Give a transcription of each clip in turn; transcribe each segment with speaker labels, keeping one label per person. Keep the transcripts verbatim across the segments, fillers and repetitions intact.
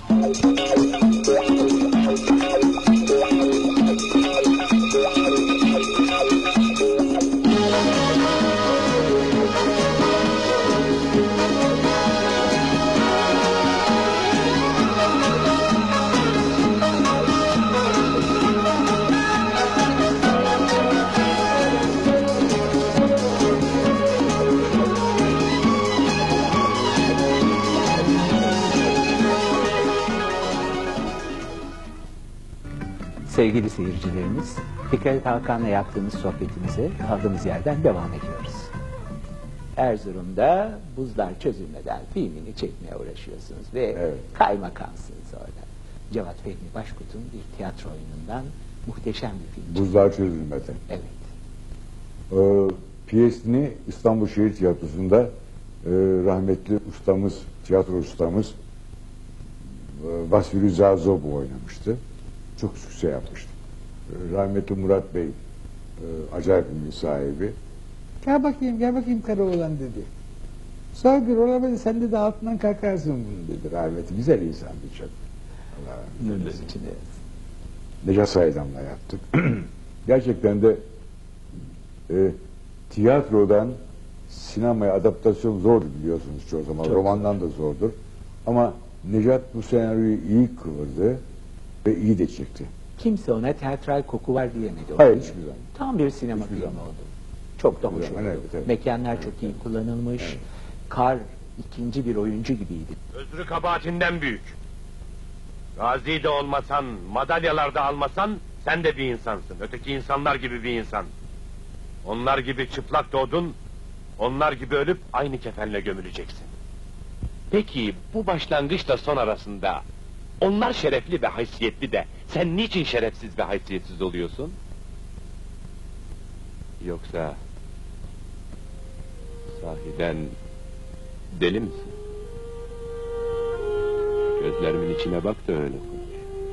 Speaker 1: Sevgili seyircilerimiz, Fikret Hakan'la yaptığımız sohbetimize kaldığımız yerden devam ediyoruz. Erzurum'da Buzlar Çözülmeden filmini çekmeye uğraşıyorsunuz ve
Speaker 2: Evet.
Speaker 1: kaymakamsınız orada. Cevat Fehmi Başkut'un bir tiyatro oyunundan muhteşem bir film.
Speaker 2: Buzlar Çözülmeden.
Speaker 1: Evet.
Speaker 2: Ee, piyesini İstanbul Şehir Tiyatrosu'nda e, rahmetli ustamız, tiyatro ustamız e, Vasfi Rıza Zobu oynamıştı. Çok sükse yapmıştı. E, rahmetli Murat Bey, e, acayip bir sahibi. Gel bakayım, gel bakayım Karaoğlan dedi. Sağ bir olamaz, sen de, de altından kalkarsın bunu dedi. Rahmetli güzel insandı çok. Allah rahmet eylesin. Necat Saydam'la yaptık. Gerçekten de e, tiyatrodan sinemaya adaptasyon zordur biliyorsunuz çoğu zaman.
Speaker 1: Çok
Speaker 2: Romandan da zordur. Ama Necat bu senaryoyu iyi kıvırdı ve iyi de çekti.
Speaker 1: Kimse ona teatral koku var diyemedi. o
Speaker 2: Hayır,
Speaker 1: filme.
Speaker 2: hiçbir zaman.
Speaker 1: Tam bir sinema
Speaker 2: Hiçbir
Speaker 1: filmi
Speaker 2: zaman.
Speaker 1: oldu. Çok da hoş
Speaker 2: Hiçbir
Speaker 1: oldu.
Speaker 2: zaman, evet, evet.
Speaker 1: Mekanlar çok iyi kullanılmış.
Speaker 2: Evet.
Speaker 1: Kar ikinci bir oyuncu gibiydi.
Speaker 3: Özrü kabahatinden büyük. Gazi de olmasan, madalyalar da almasan, sen de bir insansın. Öteki insanlar gibi bir insan. Onlar gibi çıplak doğdun, onlar gibi ölüp aynı kefenle gömüleceksin. Peki bu başlangıçla son arasında, onlar şerefli ve haysiyetli de, sen niçin şerefsiz ve haysiyetsiz oluyorsun? Yoksa sahiden deli misin? Gözlerimin içine bak da öyle konuş.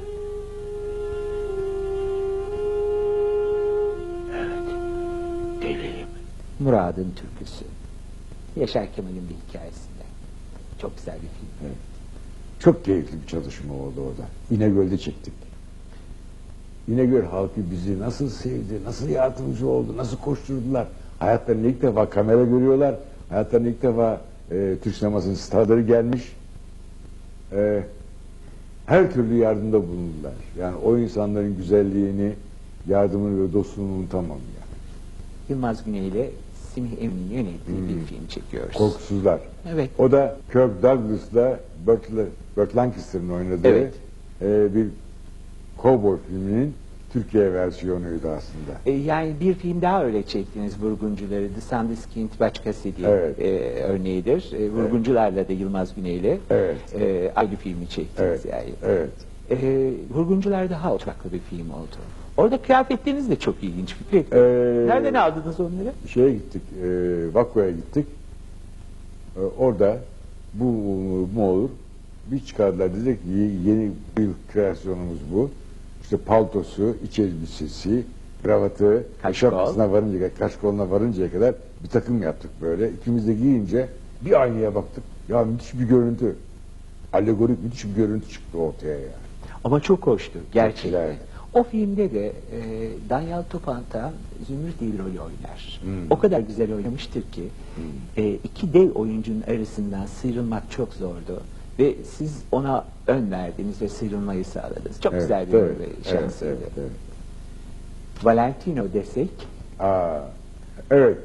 Speaker 3: Evet, deliyim.
Speaker 1: Murad'ın türküsü. Yaşar Kemal'in bir hikayesinde. Çok güzel bir film.
Speaker 2: Evet. Çok keyifli bir çalışma oldu orada. İnegöl'de çektik. İnegöl halkı bizi nasıl sevdi, nasıl yardımcı oldu, nasıl koşturdular. Hayatlarında ilk defa kamera görüyorlar. Hayatlarında ilk defa e, Türk sinemasının starları gelmiş. E, her türlü yardımda bulundular. Yani o insanların güzelliğini, yardımını ve dostluğunu unutamam yani.
Speaker 1: Yılmaz Güney ile Semih Emin'in yönettiği bir film çekiyoruz.
Speaker 2: Korkusuzlar.
Speaker 1: Evet.
Speaker 2: O da Kirk Douglas'la Burt, Burt Lancaster'ın oynadığı
Speaker 1: Evet.
Speaker 2: e, bir kovboy filminin Türkiye versiyonuydu aslında.
Speaker 1: E, yani bir film daha öyle çektiniz, Vurguncuları. The Sandiskind Başkası diye
Speaker 2: Evet.
Speaker 1: e, örneğidir. E, Vurguncularla da Yılmaz Güney ile
Speaker 2: Evet.
Speaker 1: e, aynı filmi çektiniz
Speaker 2: Evet.
Speaker 1: yani.
Speaker 2: Evet.
Speaker 1: E, Vurguncular daha oturaklı bir film oldu. Orada kıyafetleriniz de çok ilginç Fikret Bey.
Speaker 2: Ee,
Speaker 1: Nereden aldınız onları?
Speaker 2: Şeye gittik, e, Vakko'ya gittik. E, orada bu mu olur? Bir çıkardılar, dedik ki yeni bir kreasyonumuz bu. İşte paltosu, iç elbisesi, kravatı,
Speaker 1: Kaşkol.
Speaker 2: şapkasına varıncaya, kaşkoluna varıncaya kadar bir takım yaptık böyle. İkimiz de giyince bir aynaya baktık. Ya müthiş bir görüntü. Alegorik müthiş bir görüntü çıktı ortaya yani.
Speaker 1: Ama çok hoştu gerçekten.
Speaker 2: güzel.
Speaker 1: O filmde de e, Danyal Topanta Zümrüt rolü oynar.
Speaker 2: Hmm.
Speaker 1: O kadar güzel oynamıştır ki e, iki dev oyuncunun arasından sıyrılmak çok zordu. Ve siz ona ön verdiniz ve sıyrılmayı sağladınız. Çok
Speaker 2: Evet,
Speaker 1: güzel bir
Speaker 2: evet,
Speaker 1: evet, şansıydı.
Speaker 2: evet, evet, evet.
Speaker 1: Valentino desek.
Speaker 2: Aa, evet.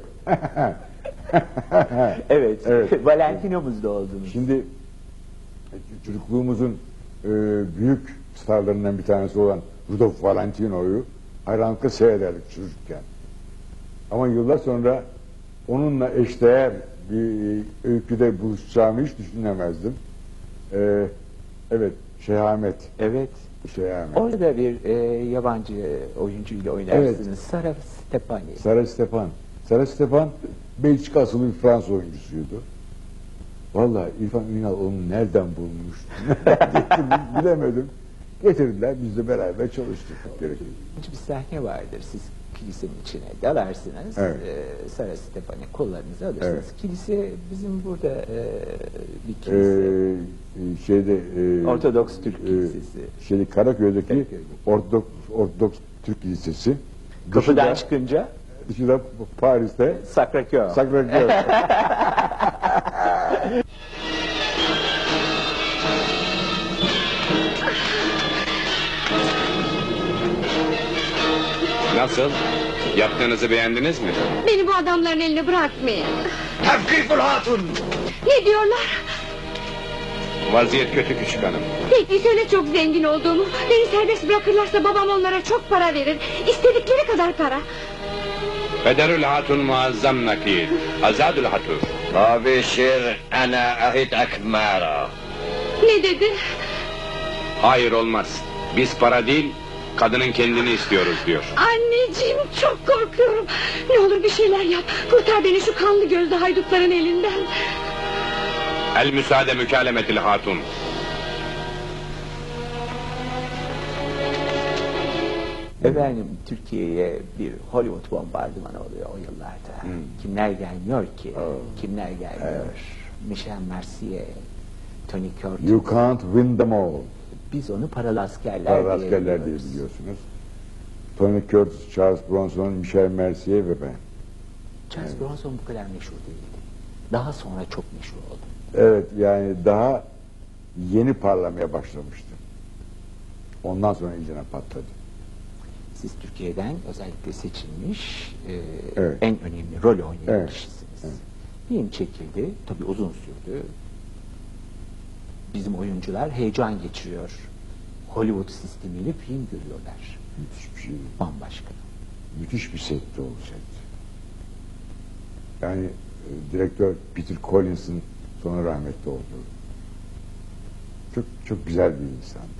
Speaker 1: Evet,
Speaker 2: Evet.
Speaker 1: Valentino'muz da oldunuz.
Speaker 2: Şimdi e, çocukluğumuzun e, büyük starlarından bir tanesi olan Rudolf Valentino'yu hayranlıkla seyrederdik çocukken. Ama yıllar sonra onunla eşdeğer bir öyküde buluşacağımı hiç düşünemezdim. E, evet, Şehamet.
Speaker 1: Evet.
Speaker 2: Şehamet.
Speaker 1: Orada da bir e, yabancı oyuncuyla oynarsınız. Sara Stepani.
Speaker 2: Sara Stepan. Sara Stepan Belçika asıllı bir Fransız oyuncusuydu. Vallahi İrfan Ünal onu nereden bulmuş? Bilemedim. Getirdiler, biz de beraber çalıştık. Gerekli.
Speaker 1: Bir sahne vardır. Siz kilisenin içine dalarsınız.
Speaker 2: Evet.
Speaker 1: E, Sara Stefani kollarınızı alırsınız.
Speaker 2: Evet.
Speaker 1: Kilise bizim burada e, bir kilise.
Speaker 2: Ee, şeyde e,
Speaker 1: Ortodoks Türk
Speaker 2: e,
Speaker 1: Kilisesi.
Speaker 2: Şeyde Karaköy'deki
Speaker 1: Karaköy'deki.
Speaker 2: Ortodoks, Ortodoks Türk Kilisesi.
Speaker 1: Kapıdan
Speaker 2: Dışında-
Speaker 1: çıkınca
Speaker 2: Dışında Paris'te
Speaker 1: Sacré-Cœur.
Speaker 2: Sacré-Cœur.
Speaker 4: Nasıl? Yaptığınızı beğendiniz mi?
Speaker 5: Beni bu adamların eline bırakmayın.
Speaker 3: Tevkiful hatun!
Speaker 5: Ne diyorlar?
Speaker 4: Vaziyet kötü küçük hanım.
Speaker 5: Peki söyle çok zengin olduğumu. Beni serbest bırakırlarsa babam onlara çok para verir. İstedikleri kadar para.
Speaker 4: Pederül hatun muazzam nakil. Azadül hatur.
Speaker 6: أبشر أنا أهد أكمارا.
Speaker 5: Ne dedi?
Speaker 4: Hayır olmaz. Biz para değil, kadının kendini istiyoruz diyor.
Speaker 5: Anneciğim çok korkuyorum. Ne olur bir şeyler yap. Kurtar beni şu kanlı gözlü haydutların elinden.
Speaker 4: El müsaade mükalemetil hatun.
Speaker 1: Efendim Türkiye'ye bir Hollywood bombardımanı oluyor o yıllarda.
Speaker 2: Hmm.
Speaker 1: Kimler gelmiyor ki?
Speaker 2: Oh.
Speaker 1: Kimler gelmiyor? Michel Mercier, Tony Curtis.
Speaker 2: You can't win them all.
Speaker 1: Biz onu paralı askerler,
Speaker 2: Paralı
Speaker 1: diye
Speaker 2: askerler diye
Speaker 1: biliyoruz.
Speaker 2: biliyorsunuz. Tony Curtis, Charles Bronson, Michel Mercier ve ben.
Speaker 1: Charles Bronson bu kadar meşhur değildi. Daha sonra çok meşhur oldu.
Speaker 2: Evet, yani daha yeni parlamaya başlamıştı. Ondan sonra iyicene patladı.
Speaker 1: Siz Türkiye'den özellikle seçilmiş e,
Speaker 2: Evet.
Speaker 1: en önemli rol oynayan
Speaker 2: Evet.
Speaker 1: kişisiniz.
Speaker 2: Evet.
Speaker 1: Film çekildi. Tabii uzun sürdü. Bizim oyuncular heyecan geçiriyor. Hollywood sistemiyle film görüyorlar.
Speaker 2: Müthiş bir şey.
Speaker 1: Bambaşka.
Speaker 2: Müthiş bir setti o set. Yani e, direktör Peter Collins'in sonra rahmetli oldu. Çok çok güzel bir insandı.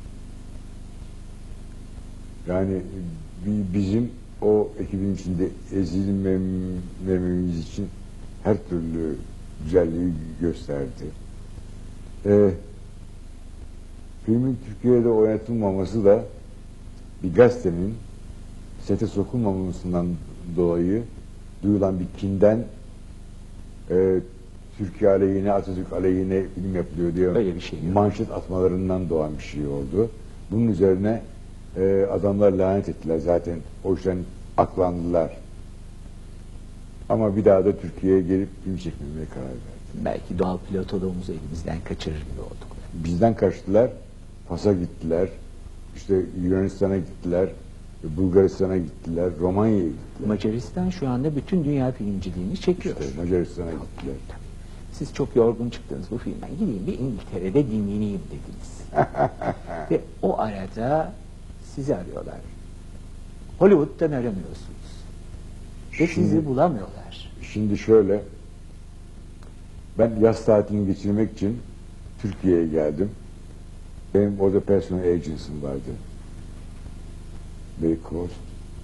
Speaker 2: Yani e, bi- bizim o ekibin içinde ezilmememiz için her türlü güzelliği gösterdi. Ee, filmin Türkiye'de oynatılmaması da bir gazetenin sete sokulmamasından dolayı duyulan bir kinden e, Türkiye aleyhine, Atatürk aleyhine film yapılıyor diye
Speaker 1: Öyle bir şey yok.
Speaker 2: manşet atmalarından doğan bir şey oldu. Bunun üzerine e, adamlar lanet ettiler zaten. O yüzden aklandılar. Ama bir daha da Türkiye'ye gelip film çekmemeye karar verdi.
Speaker 1: Belki doğal pilotoluğumuzu elimizden kaçırır gibi olduk.
Speaker 2: Bizden kaçtılar, Fas'a gittiler, işte Yunanistan'a gittiler, Bulgaristan'a gittiler, Romanya'ya gittiler.
Speaker 1: Macaristan şu anda bütün dünya filmciliğini çekiyor.
Speaker 2: İşte Macaristan'a gittiler.
Speaker 1: Siz çok yorgun çıktınız bu filmden. Gideyim bir İngiltere'de dinleneyim dediniz. Ve o arada sizi arıyorlar. Hollywood'dan aramıyorsunuz. Ve
Speaker 2: Şimdi-
Speaker 1: sizi bulamıyorlar.
Speaker 2: Şimdi şöyle, ben yaz tatilini geçirmek için Türkiye'ye geldim. Benim orada personal agency'm vardı. Barry Cross.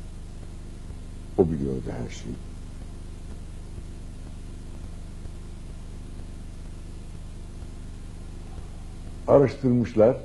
Speaker 2: O biliyordu her şeyi. Araştırmışlar.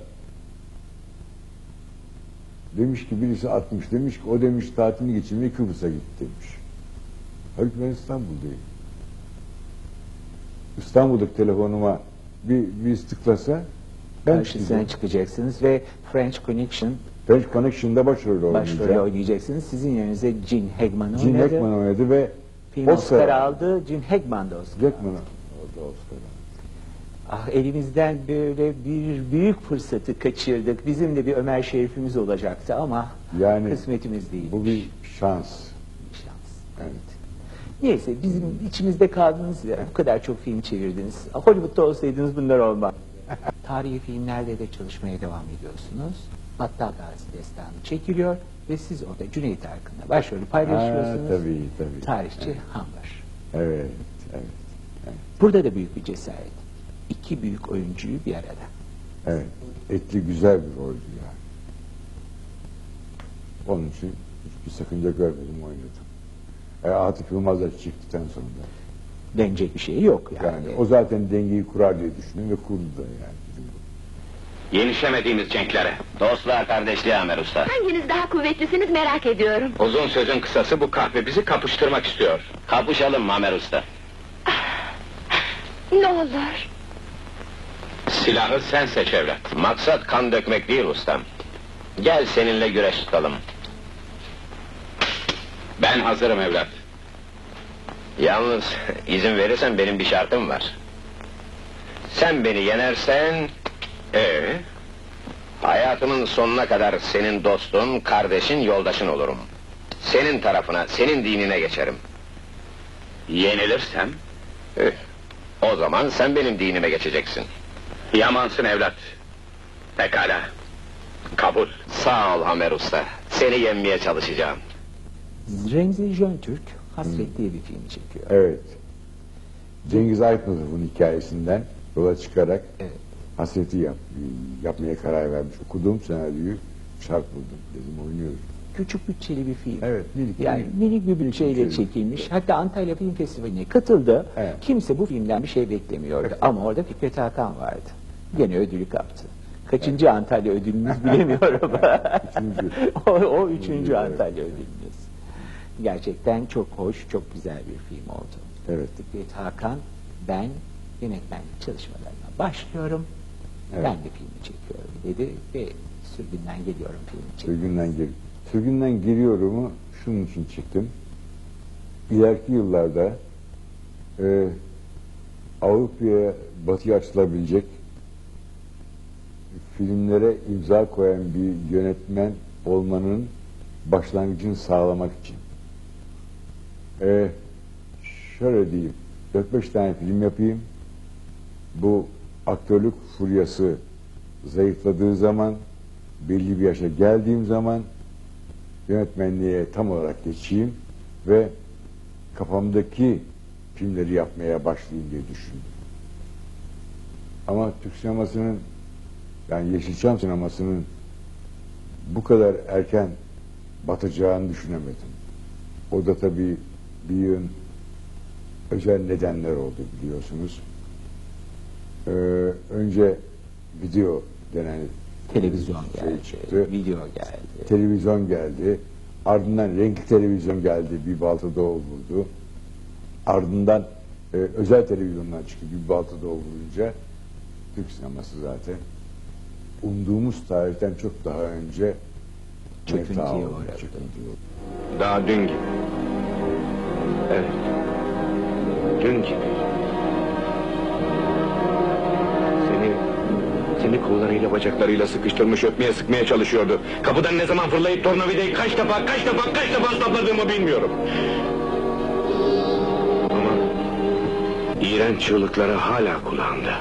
Speaker 2: Demiş ki birisi atmış. Demiş ki o demiş tatilini geçirmeye Kıbrıs'a gitti demiş. Halbuki ben İstanbul'dayım. İstanbul'daki telefonuma bir, bir tıklasa ben
Speaker 1: Karşısına
Speaker 2: çıkacağım.
Speaker 1: çıkacaksınız ve French Connection
Speaker 2: French Connection'da başrol
Speaker 1: başrolü
Speaker 2: oynayacağım.
Speaker 1: oynayacaksınız. Sizin yerinize Gene Hackman
Speaker 2: Gene
Speaker 1: oynadı.
Speaker 2: Hackman oynadı ve
Speaker 1: Film Oscar aldı. Gene Hackman da Oscar aldı.
Speaker 2: Hackman oldu Oscar aldı.
Speaker 1: Ah, elimizden böyle bir büyük fırsatı kaçırdık. Bizim de bir Ömer Şerif'imiz olacaktı ama
Speaker 2: Yani
Speaker 1: kısmetimiz değil.
Speaker 2: Bu bir şans.
Speaker 1: şans.
Speaker 2: Evet.
Speaker 1: Neyse bizim içimizde kaldınız ya. Bu kadar çok film çevirdiniz. Hollywood'da olsaydınız bunlar olmaz. Tarihi filmlerde de çalışmaya devam ediyorsunuz. Battal Gazi Destanı çekiliyor ve siz orada Cüneyt Arkın'la başrolü paylaşıyorsunuz.
Speaker 2: Ha, tabii, tabii.
Speaker 1: Tarihçi
Speaker 2: Evet.
Speaker 1: Hambar.
Speaker 2: Evet, evet,
Speaker 1: Burada da büyük bir cesaret. İki büyük oyuncuyu bir arada.
Speaker 2: evet. Etli güzel bir roldü yani. Onun için hiçbir sakınca görmedim oynadım. E, Atıf Yılmaz'la çıktıktan sonra.
Speaker 1: Denecek bir şey yok yani.
Speaker 2: Yani o zaten dengeyi kurar diye düşündüm ve kurdu da yani.
Speaker 4: Yenişemediğimiz cenklere.
Speaker 6: Dostluğa, kardeşliğe Amer Usta.
Speaker 5: Hanginiz daha kuvvetlisiniz merak ediyorum.
Speaker 4: Uzun sözün kısası bu kahve bizi kapıştırmak istiyor.
Speaker 6: Kapışalım Amer Usta.
Speaker 5: Ne olur.
Speaker 4: Silahı sen seç evlat.
Speaker 6: Maksat kan dökmek değil ustam. Gel seninle güreş tutalım.
Speaker 4: Ben hazırım evlat.
Speaker 6: Yalnız izin verirsen benim bir şartım var. Sen beni yenersen
Speaker 4: Ee,
Speaker 6: hayatımın sonuna kadar senin dostun, kardeşin, yoldaşın olurum. Senin tarafına, senin dinine geçerim.
Speaker 4: yenilirsem
Speaker 6: Eh, o zaman sen benim dinime geçeceksin.
Speaker 4: yamansın evlat. Pekala. Kabul.
Speaker 6: Sağ ol Hamer Usta. Seni yenmeye çalışacağım.
Speaker 1: Remzi Jöntürk Hasret diye bir film çekiyor.
Speaker 2: Evet. Cengiz Aytmatov'un hikayesinden yola çıkarak
Speaker 1: Evet.
Speaker 2: Hasret'i yap, yapmaya karar vermiş. Okuduğum senaryoyu şart buldum. Dedim oynuyoruz.
Speaker 1: Küçük bütçeli bir film.
Speaker 2: Evet, minik,
Speaker 1: Yani
Speaker 2: minik.
Speaker 1: minik bir bütçeyle
Speaker 2: Bütçeli.
Speaker 1: çekilmiş. Hatta Antalya Film Festivali'ne katıldı.
Speaker 2: Evet.
Speaker 1: Kimse bu filmden bir şey beklemiyordu. Ama orada Fikret Hakan vardı. Gene ödülü kaptı. Kaçıncı Antalya ödülünüz bilemiyorum.
Speaker 2: Üçüncü.
Speaker 1: o, o üçüncü
Speaker 2: Üçüncü, evet.
Speaker 1: Antalya ödülünüz. Gerçekten çok hoş, çok güzel bir film oldu.
Speaker 2: Evet.
Speaker 1: Fikret Hakan, ben yönetmenlik çalışmalarına başlıyorum.
Speaker 2: Evet.
Speaker 1: Ben de filmi çekiyorum dedi ve sürgünden geliyorum filmi çekiyorum.
Speaker 2: Sürgünden gel. Sürgünden geliyorumu şunun için çıktım. İleriki yıllarda e, Avrupa'ya, Batı'ya açılabilecek filmlere imza koyan bir yönetmen olmanın başlangıcını sağlamak için. E, şöyle diyeyim, dört beş tane film yapayım. Bu aktörlük furyası zayıfladığı zaman, belli bir yaşa geldiğim zaman yönetmenliğe tam olarak geçeyim ve kafamdaki filmleri yapmaya başlayayım diye düşündüm. Ama Türk sinemasının, yani Yeşilçam sinemasının bu kadar erken batacağını düşünemedim. O da tabii bir yığın özel nedenler oldu biliyorsunuz. Ee, önce video denen
Speaker 1: Televizyon
Speaker 2: şey
Speaker 1: geldi,
Speaker 2: çıktı.
Speaker 1: video geldi.
Speaker 2: Televizyon geldi. Ardından renkli televizyon geldi. Bir baltada o vurdu. Ardından e, özel televizyondan çıktı. Bir baltada o vurunca Türk sineması zaten umduğumuz tarihten çok daha önce
Speaker 1: Çöküntüye
Speaker 2: mefta oldu,
Speaker 1: uğradı.
Speaker 2: çöküntüye uğradı.
Speaker 4: Daha dün gibi. Evet. Dün gibi. Seni, seni kollarıyla bacaklarıyla sıkıştırmış öpmeye sıkmaya çalışıyordu. Kapıdan ne zaman fırlayıp tornavidayı kaç defa kaç defa kaç defa sapladığımı bilmiyorum. Ama iğrenç çığlıkları hala kulağımda.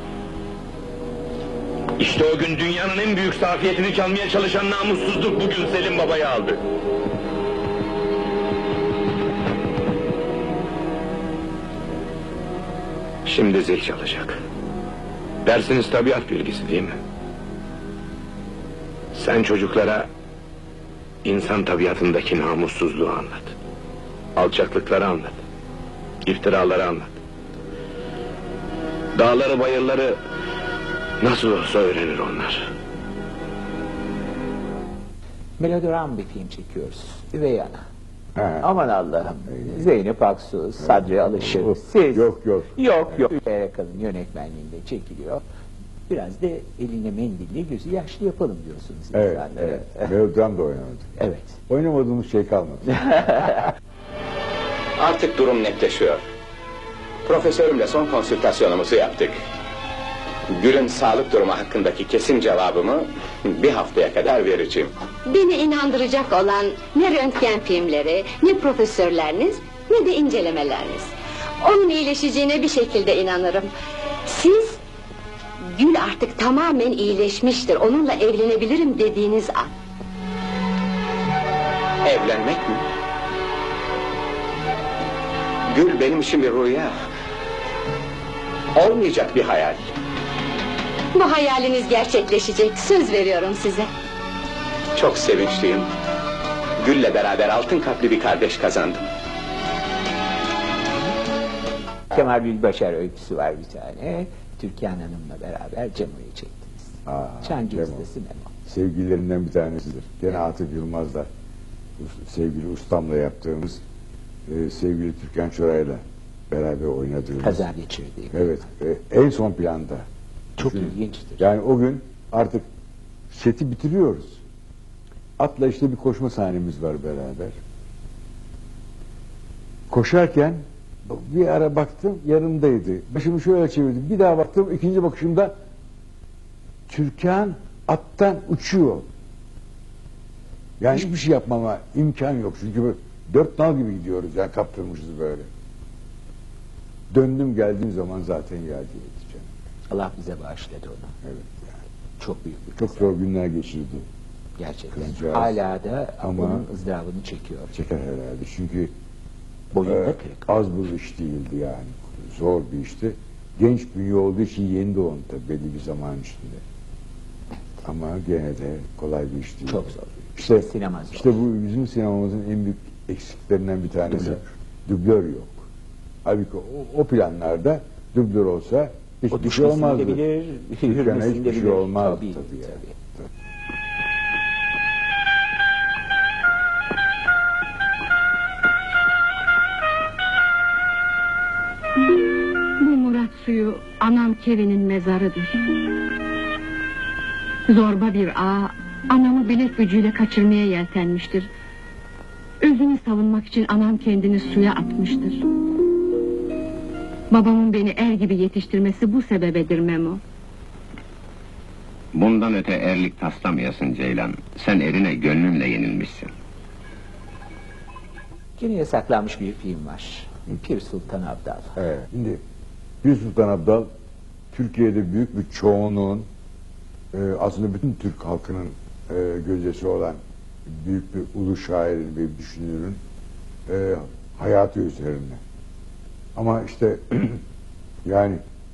Speaker 4: İşte o gün dünyanın en büyük safiyetini çalmaya çalışan namussuzluk bugün Selim Baba'yı aldı. Şimdi zil çalacak. Dersiniz tabiat bilgisi değil mi? Sen çocuklara insan tabiatındaki namussuzluğu anlat. Alçaklıkları anlat. İftiraları anlat. Dağları bayırları nasıl olsa öğrenir onlar.
Speaker 1: Melodram bir film çekiyoruz. Üvey Ana.
Speaker 2: Ha.
Speaker 1: Aman Allah'ım. Zeynep Aksu, Sadri Alışır, siz.
Speaker 2: Yok, yok.
Speaker 1: Yok yok. Erkan'ın yönetmenliğinde çekiliyor. Biraz da eline mendille gözü yaşlı yapalım diyorsunuz
Speaker 2: Evet,
Speaker 1: insanlara.
Speaker 2: evet. Melodram da oynamadı.
Speaker 1: Evet.
Speaker 2: Oynamadığımız şey kalmadı.
Speaker 4: Artık durum netleşiyor. Profesörümle son konsültasyonumuzu yaptık. Gül'ün sağlık durumu hakkındaki kesin cevabımı bir haftaya kadar vereceğim.
Speaker 5: Beni inandıracak olan ne röntgen filmleri, ne profesörleriniz, ne de incelemeleriniz. Onun iyileşeceğine bir şekilde inanırım. Siz, Gül artık tamamen iyileşmiştir, onunla evlenebilirim dediğiniz an.
Speaker 4: Evlenmek mi? Gül benim için bir rüya. Olmayacak bir hayal.
Speaker 5: Bu hayaliniz gerçekleşecek, söz veriyorum size.
Speaker 4: Çok sevinçliyim. Gül'le beraber altın kalpli bir kardeş kazandım.
Speaker 1: Kemal Gülbaşar öyküsü var bir tane. Türkan Hanım'la beraber Cemo'yu çektiniz.
Speaker 2: Aa,
Speaker 1: Çancı
Speaker 2: Memo.
Speaker 1: ustası Memo.
Speaker 2: Sevgililerinden bir tanesidir. Gene Atıf Yılmaz'la sevgili ustamla yaptığımız e, sevgili Türkan Çoray'la beraber oynadığımız.
Speaker 1: Kaza geçirdiği.
Speaker 2: Evet. E, en son planda.
Speaker 1: Çok
Speaker 2: Düşünün.
Speaker 1: ilginçtir.
Speaker 2: Yani o gün artık seti bitiriyoruz. Atla işte bir koşma sahnemiz var beraber. Koşarken bir ara baktım yanımdaydı. Başımı şöyle çevirdim. Bir daha baktım ikinci bakışımda Türkan attan uçuyor. Yani hiçbir şey yapmama imkan yok. Çünkü böyle dört nal gibi gidiyoruz. Yani kaptırmışız böyle. Döndüm geldiğim zaman zaten geldi.
Speaker 1: Allah bize bağışladı onu.
Speaker 2: Evet. Yani.
Speaker 1: Çok büyük bir
Speaker 2: Çok
Speaker 1: kaza.
Speaker 2: zor günler geçirdi.
Speaker 1: Gerçekten.
Speaker 2: Kızcağız.
Speaker 1: Hala da
Speaker 2: Ama-
Speaker 1: onun ızdırabını çekiyor.
Speaker 2: Çeker herhalde. Çünkü
Speaker 1: Boyunda
Speaker 2: e,
Speaker 1: kırık.
Speaker 2: az bir iş değildi yani. Zor bir işti. Genç bünye olduğu için yeni doğum tabii belli bir zaman içinde. Ama gene de kolay bir iş değil.
Speaker 1: Çok zor.
Speaker 2: İşte,
Speaker 1: Sinema zor.
Speaker 2: işte bu bizim sinemamızın en büyük eksiklerinden bir tanesi.
Speaker 1: Dublör.
Speaker 2: Dublör yok. Halbuki o, o planlarda dublör olsa hiçbir
Speaker 1: O
Speaker 2: şey
Speaker 1: düşmesini
Speaker 2: olmazdı.
Speaker 1: de bilir,
Speaker 2: Dükkana
Speaker 1: yürümesini
Speaker 2: hiçbir
Speaker 1: de
Speaker 2: şey
Speaker 1: bilir.
Speaker 2: olmaz
Speaker 1: Tabii,
Speaker 2: tabii, yani.
Speaker 1: tabii.
Speaker 7: Bu Murat suyu anam Kevin'in mezarıdır. Zorba bir ağa anamı bilek gücüyle kaçırmaya yeltenmiştir. Özünü savunmak için anam kendini suya atmıştır. Babamın beni er gibi yetiştirmesi bu sebebedir Memo.
Speaker 6: Bundan öte erlik taslamayasın Ceylan. Sen erine gönlünle yenilmişsin.
Speaker 1: Yine yasaklanmış bir film var. Pir Sultan Abdal.
Speaker 2: Evet. Şimdi Bir Sultan Abdal Türkiye'de büyük bir çoğunluğun e, aslında bütün Türk halkının e, gözdesi olan büyük bir ulu şairin ve düşünürün e, hayatı üzerine. Ama işte yani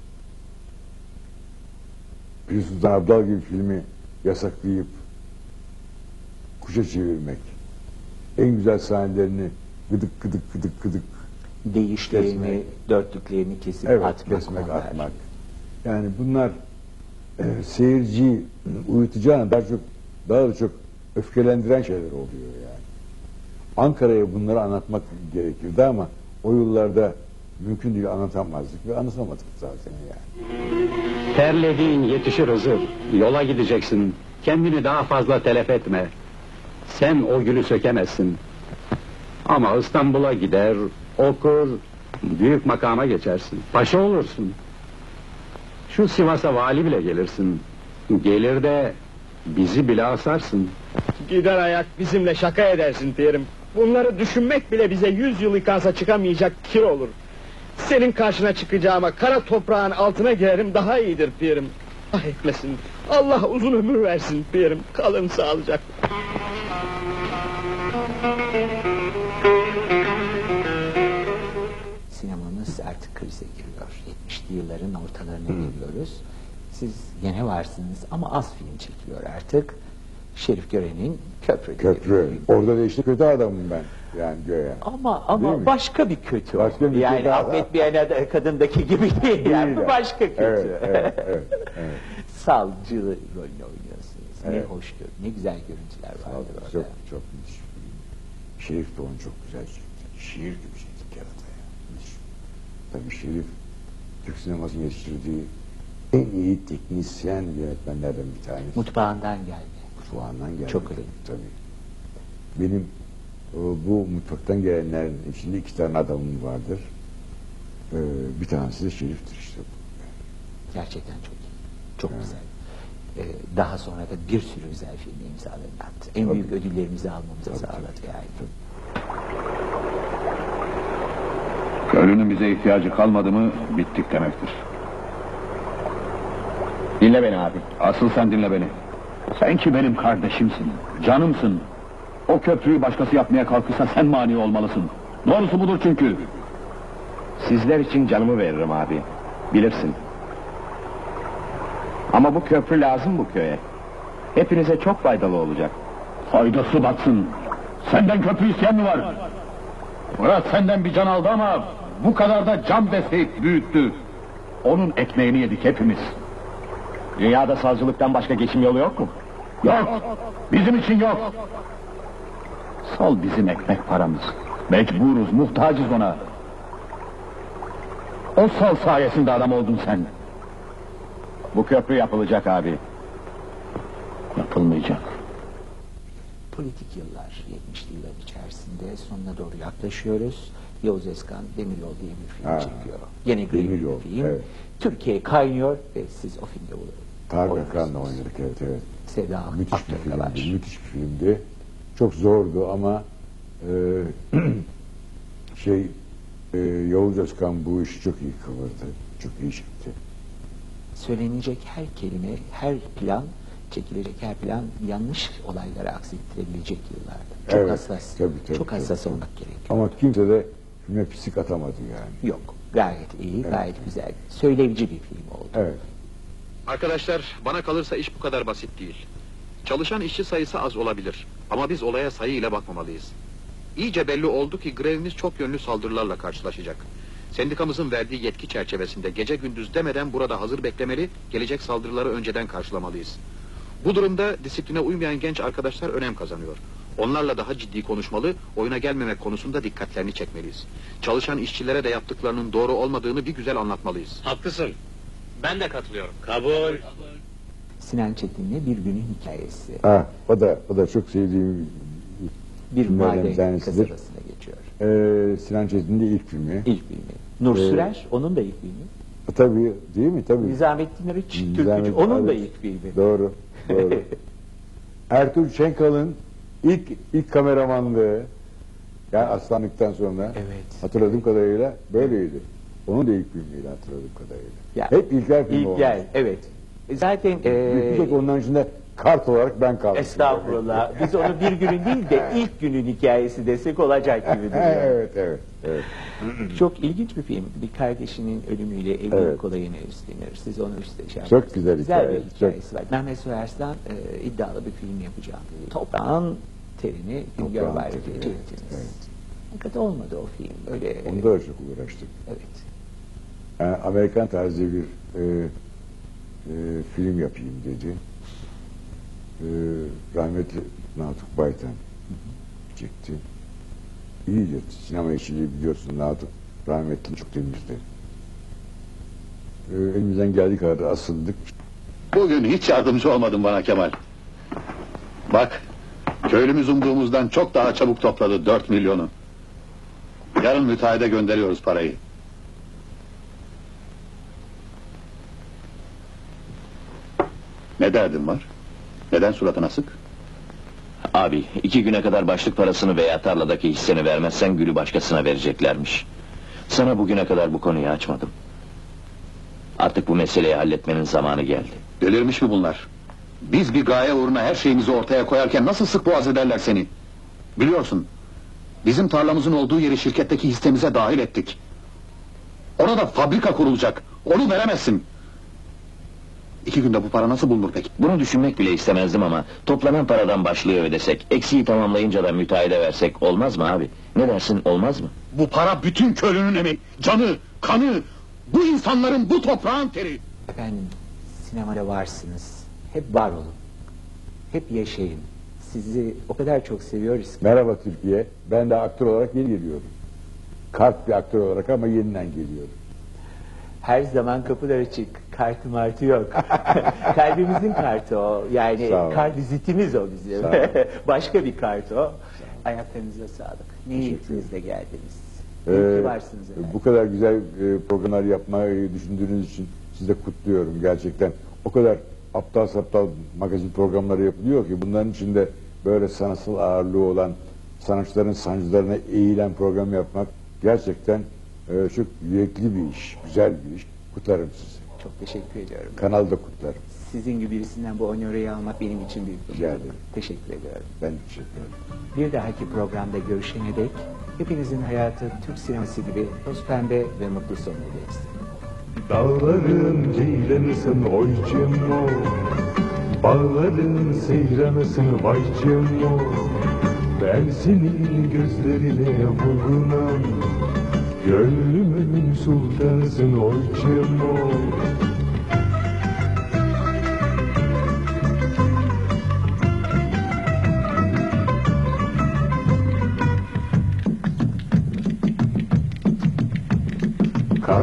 Speaker 2: Bir Sultan Abdal gibi filmi yasaklayıp kuşa çevirmek, en güzel sahnelerini gıdık gıdık gıdık gıdık
Speaker 1: Değişlerini,
Speaker 2: Kesmek.
Speaker 1: dörtlüklerini kesip
Speaker 2: evet,
Speaker 1: atmak.
Speaker 2: kesmek,
Speaker 1: onlar.
Speaker 2: atmak. Yani bunlar e, seyirciyi uyutacağına daha çok daha da çok öfkelendiren şeyler oluyor yani. Ankara'ya bunları anlatmak gerekirdi ama o yıllarda mümkün değil, anlatamazdık ve anlatamadık zaten yani.
Speaker 8: Terlediğin yetişir Hızır. Yola gideceksin. Kendini daha fazla telef etme. Sen o gülü sökemezsin. Ama İstanbul'a gider, okur, büyük makama geçersin. Paşa olursun. Şu Sivas'a vali bile gelirsin. Gelir de bizi bile asarsın.
Speaker 9: Gider ayak bizimle şaka edersin Pirim. Bunları düşünmek bile bize yüz yıl yıkansa çıkamayacak kir olur. Senin karşına çıkacağıma kara toprağın altına girerim daha iyidir Pirim. Ah etmesin. Allah uzun ömür versin Pirim. Kalın sağlıcakla.
Speaker 1: Sinemamız artık krize giriyor. yetmişli yılların ortalarına geliyoruz. Siz gene varsınız ama az film çekiliyor artık. Şerif Gören'in Köprü. diye bir
Speaker 2: Köprü.
Speaker 1: film.
Speaker 2: Orada da işte kötü adamım ben yani göğe.
Speaker 1: Ama
Speaker 2: Değil
Speaker 1: ama
Speaker 2: mi?
Speaker 1: başka bir kötü. o.
Speaker 2: Başka bir
Speaker 1: yani
Speaker 2: kötü adam.
Speaker 1: Ahmet Biyan'a kadındaki gibi değil. Yani bu
Speaker 2: Değil
Speaker 1: başka kötü.
Speaker 2: Evet, evet, evet, evet.
Speaker 1: Savcı rolünü oynuyorsunuz.
Speaker 2: Evet.
Speaker 1: Ne hoş gör, ne güzel görüntüler vardı orada.
Speaker 2: Çok çok müthiş bir film. Şerif de onu çok güzel çekti. Şiir gibi çekti kerata ya. Müthiş. Tabii Şerif Türk sinemasının yetiştirdiği en iyi teknisyen yönetmenlerden bir tanesi.
Speaker 1: Mutfağından geldi.
Speaker 2: Mutfağından geldi.
Speaker 1: Çok
Speaker 2: tabii,
Speaker 1: iyi.
Speaker 2: tabii. Benim e, bu mutfaktan gelenlerin içinde iki tane adamım vardır. E, bir tanesi de Şerif'tir işte.
Speaker 1: Gerçekten çok iyi. Çok güzel. Ee, daha sonra da bir sürü güzel filmi imzalarını attı. En
Speaker 2: Tabii.
Speaker 1: büyük ödüllerimizi almamıza
Speaker 2: Tabii,
Speaker 1: sağladı
Speaker 2: tabii,
Speaker 1: yani.
Speaker 10: Köylünün bize ihtiyacı kalmadı mı bittik demektir.
Speaker 6: Dinle beni abi.
Speaker 10: Asıl sen dinle beni. Sen ki benim kardeşimsin, canımsın. O köprüyü başkası yapmaya kalkırsa sen mani olmalısın. Doğrusu budur çünkü.
Speaker 6: Sizler için canımı veririm abi. Bilirsin. Ama bu köprü lazım bu köye. Hepinize çok faydalı olacak.
Speaker 10: Faydası batsın. Senden köprü isteyen mi var? Murat senden bir can aldı ama bu kadar da can besleyip büyüttü. Onun ekmeğini yedik hepimiz. Dünyada savcılıktan başka geçim yolu yok mu? Yok! Bizim için yok! Sal bizim ekmek paramız. Mecburuz, muhtacız ona. O sal sayesinde adam oldun sen. Bu köprü yapılacak abi. Yapılmayacak.
Speaker 1: Politik yıllar, yetmişli yıllar içerisinde sonuna doğru yaklaşıyoruz. Yavuz Özkan Demiryol diye bir film
Speaker 2: Ha,
Speaker 1: çekiyor. Yine Green
Speaker 2: Demiryol,
Speaker 1: bir film.
Speaker 2: evet.
Speaker 1: Türkiye kaynıyor ve siz o filmde
Speaker 2: Tarık
Speaker 1: oynuyorsunuz.
Speaker 2: Akan'la oynadık, evet evet.
Speaker 1: Sevda
Speaker 2: Müthiş bir
Speaker 1: Aktör da var.
Speaker 2: filmdi, müthiş bir filmdi. Çok zordu ama e, şey e, Yavuz Özkan bu işi çok iyi kıvırdı, çok iyi çekti.
Speaker 1: Söylenecek her kelime, her plan, çekilecek her plan yanlış olaylara aksettirebilecek yıllarda. Çok
Speaker 2: Evet,
Speaker 1: hassas,
Speaker 2: tabii, tabii,
Speaker 1: çok
Speaker 2: tabii,
Speaker 1: hassas
Speaker 2: tabii.
Speaker 1: olmak gerekiyor.
Speaker 2: Ama kimse de filme pislik atamadı yani.
Speaker 1: Yok, gayet iyi, gayet güzel. Söyleyici bir film oldu.
Speaker 2: Evet.
Speaker 11: Arkadaşlar, bana kalırsa iş bu kadar basit değil. Çalışan işçi sayısı az olabilir. Ama biz olaya sayı ile bakmamalıyız. İyice belli oldu ki grevimiz çok yönlü saldırılarla karşılaşacak. Sendikamızın verdiği yetki çerçevesinde gece gündüz demeden burada hazır beklemeli, gelecek saldırıları önceden karşılamalıyız. Bu durumda disipline uymayan genç arkadaşlar önem kazanıyor. Onlarla daha ciddi konuşmalı, oyuna gelmemek konusunda dikkatlerini çekmeliyiz. Çalışan işçilere de yaptıklarının doğru olmadığını bir güzel anlatmalıyız.
Speaker 12: Haklısın. Ben de katılıyorum. Kabul.
Speaker 1: Sinan Çetin'le Bir Günün Hikayesi.
Speaker 2: Ha, o da o da çok sevdiğim
Speaker 1: Bir
Speaker 2: filmlerden bir
Speaker 1: mahalle
Speaker 2: tanesidir.
Speaker 1: kasabasına geçiyor.
Speaker 2: Ee, Sinan Çetin'in de ilk filmi.
Speaker 1: İlk filmi. Nur
Speaker 2: Ee,
Speaker 1: Sürer, onun da ilk filmi.
Speaker 2: Tabii, değil mi? Tabii.
Speaker 1: Nizamettin Arıç, Türkücü,
Speaker 2: Nizamettin
Speaker 1: onun da
Speaker 2: Arıç.
Speaker 1: ilk filmi.
Speaker 2: Doğru, doğru. Ertuğrul Şenkal'ın ilk ilk kameramanlığı, yani Aslanlık'tan sonra
Speaker 1: Evet.
Speaker 2: hatırladığım kadarıyla böyleydi. Onun da ilk filmiydi hatırladığım kadarıyla.
Speaker 1: Ya,
Speaker 2: Hep İlker filmi olmuş.
Speaker 1: İlker, evet. E, Zaten
Speaker 2: Bir
Speaker 1: e,
Speaker 2: tek onların içinde kart olarak ben kaldım.
Speaker 1: estağfurullah, biz onu Bir Günün değil de ilk günün hikayesi desek olacak gibi duruyor.
Speaker 2: evet, evet, evet.
Speaker 1: Çok ilginç bir film. Bir kardeşinin ölümüyle evlilik
Speaker 2: Evet.
Speaker 1: olayını üstlenir. Siz onu üstlenir.
Speaker 2: Çok güzel
Speaker 1: Güzel
Speaker 2: hikaye,
Speaker 1: bir hikayesi var. Mehmet Süherslan e, iddialı bir film yapacağım dedi. Toprağın terini Güngör
Speaker 2: Toprağın
Speaker 1: Bayrak'ı
Speaker 2: teri,
Speaker 1: çektiniz.
Speaker 2: evet.
Speaker 1: Fakat olmadı o film. Öyle,
Speaker 2: Onda da çok uğraştık.
Speaker 1: evet.
Speaker 2: Yani Amerikan tarzı bir e, e, film yapayım dedi. E, rahmetli Natuk Baytan çekti. İyice sinema işçiliği biliyorsun, Natuk rahmetli çok temizdi. E, elimizden geldiği kadar asıldık.
Speaker 13: Bugün hiç yardımcı olmadın bana Kemal. Bak, köylümüz umduğumuzdan çok daha çabuk topladı dört milyonu. Yarın müteahhide gönderiyoruz parayı. Ne derdin var? Neden suratın asık?
Speaker 6: Abi, iki güne kadar başlık parasını veya tarladaki hisseni vermezsen gülü başkasına vereceklermiş. Sana bugüne kadar bu konuyu açmadım. Artık bu meseleyi halletmenin zamanı geldi.
Speaker 13: Delirmiş mi bunlar? Biz bir gaye uğruna her şeyimizi ortaya koyarken nasıl sık boğaz ederler seni? Biliyorsun, bizim tarlamızın olduğu yeri şirketteki hissemize dahil ettik. Orada fabrika kurulacak, onu veremezsin. İki günde bu para nasıl bulunur peki?
Speaker 6: Bunu düşünmek bile istemezdim ama toplanan paradan başlığı ödesek, eksiği tamamlayınca da müteahhide versek olmaz mı abi? Ne dersin, olmaz mı?
Speaker 13: Bu para bütün köylünün emeği, canı, kanı, bu insanların, bu toprağın teri.
Speaker 1: Efendim, sinemada varsınız. Hep var olun. Hep yaşayın. Sizi o kadar çok seviyoruz ki.
Speaker 2: Merhaba Türkiye, ben de aktör olarak yeni geliyorum. Kart bir aktör olarak ama yeniden geliyorum.
Speaker 1: Her zaman kapılar açık. Kartı martı yok. Kalbimizin kartı o. Yani
Speaker 2: Sağ ol.
Speaker 1: kart vizitimiz o bizim.
Speaker 2: Sağ ol.
Speaker 1: Başka bir kart o. Ayaklarınıza sağlık. Niyetinizle geldiniz. İyi
Speaker 2: Ee,
Speaker 1: ki varsınız efendim.
Speaker 2: bu kadar güzel e, programlar yapmayı düşündüğünüz için sizi de kutluyorum gerçekten. O kadar aptal saptal magazin programları yapılıyor ki bunların içinde böyle sanatsal ağırlığı olan, sanatçıların sancılarına eğilen program yapmak gerçekten e, çok yürekli bir iş, güzel bir iş. Kutlarım sizi.
Speaker 1: Çok teşekkür ediyorum.
Speaker 2: Kanalda kutlarım.
Speaker 1: Sizin gibi birisinden bu onörü almak benim için büyük bir
Speaker 2: Rica
Speaker 1: mutluluk.
Speaker 2: ederim.
Speaker 1: Teşekkür ediyorum.
Speaker 2: Ben teşekkür ederim.
Speaker 1: Bir dahaki programda görüşene dek hepinizin hayatı Türk sineması gibi toz pembe ve mutlu sonuna geçsin.
Speaker 14: Dağların ceylanısın oycum o, bağların seyranısın vaycım o. Ben senin gözlerine vurgunam, gönlümün sultanısın oycum o.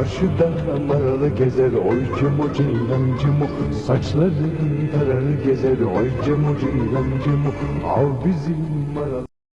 Speaker 14: Çarşıda maralı gezer oy cimo ceylan cimo. Saçların tararı gezer oy cimo ceylan cimo. Al bizim maralı